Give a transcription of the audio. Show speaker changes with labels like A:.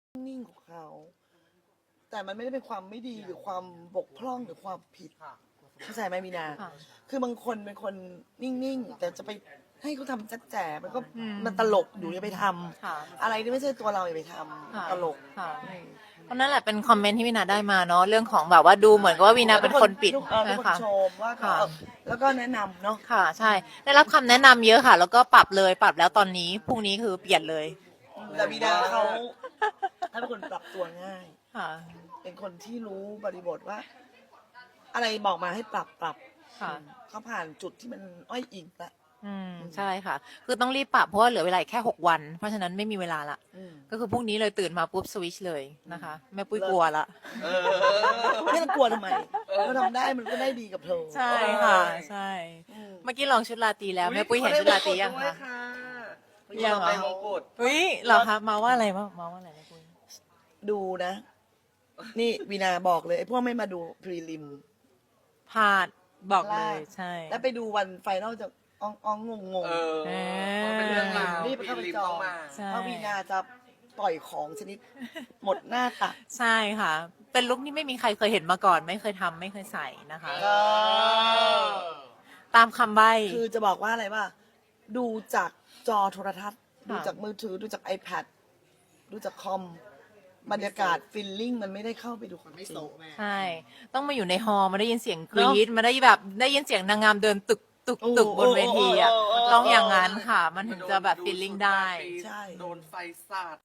A: นิ่งของเขาแต่มันไม่ได้เป็นความไม่ดีหรือความบกพร่องหรือความผิดเข้าใจไหมมีนาคือบางคนเป็นคนนิ่งๆแต่จะไปให้เขาทำแจ๊ดแจ๋มันก็มันตลกอยู่อย่าไปทำอะไรที่ไม่ใช่ตัวเราอย่าไปทำตลก
B: เพราะนั่นแหละเป็นคอมเมนต์ที่วินาได้มาเนาะเรื่องของแบบว่าดูเหมือนกับว่าวินาเป็นคนปิด
A: เป็นคนชมว่าแล้วก็แนะนำเนาะ
B: ค่ะใช่ได้รับคำแนะนำเยอะค่ะ แล้วก็ปรับแล้วตอนนี้พรุ่งนี้คือเปลี่ยนเลย
A: แต่มีนาเขาเป็นคนปรับตัวง่าย
B: ค่ะ
A: เป็นคนที่รู้บริบทว่า อะไรบอกมาให้ปรับ
B: ค่ะ
A: เขาผ่านจุดที่มันอ้อยอิงละ
B: ใช่ค่ะคือต้องรีบปรับเพราะว่าเหลือเวลาแค่6 วันเพราะฉะนั้นไม่มีเวลาละก็คือพรุ่งนี้เลยตื่นมาปุ๊บสวิชเลยนะคะแม่ปุ้ยกลัวละ
A: ไม่ต้องกลัวทำไมเราทำได้มันก็ได้ดีกับเธอ
B: ใช่ค่ะใช่เมื่อกี้ลองชุดราตรีแล้วแม่ปุ้ยเห็นชุดราตรียังคะ
C: ยังเหรอ
B: เฮ้ยเหรอคะมาว่าอะไรมาว่าอะไรแม่ปุ้ย
A: ดูนะนี่วีนาบอกเลยไอ้พวกไม่มาดูพรีลิม
B: พลาดบอกเลยใช่
A: แล้วไปดูวันไฟนอลจะอ้องงง
C: เป็นเรื่องราว
A: รีบเข้าไปจองเพราะวีนาจะปล่อยของชนิดหมดหน้าตัก
B: ใช่ค่ะเป็นลุคที่ไม่มีใครเคยเห็นมาก่อนไม่เคยทำไม่เคยใส่นะคะตามคำใบ้
A: คือจะบอกว่าอะไรว่าดูจากจอโทรทัศน์ดูจากมือถือดูจาก iPad ดูจากคอมบรรยากาศฟิลลิ่งมันไม่ได้เข้าไปดูคนไม่โซแม่
B: ใช่ต้องมาอยู่ในฮอลมาได้ยินเสียงกรี๊ดมาได้แบบได้ยินเสียงนางงามเดินตึกบนเวทีอ่ะต้องอย่างนั้นค่ะมันถึงจะแบบฟิลลิ่งได้
A: ใช่
C: โดนไฟสาด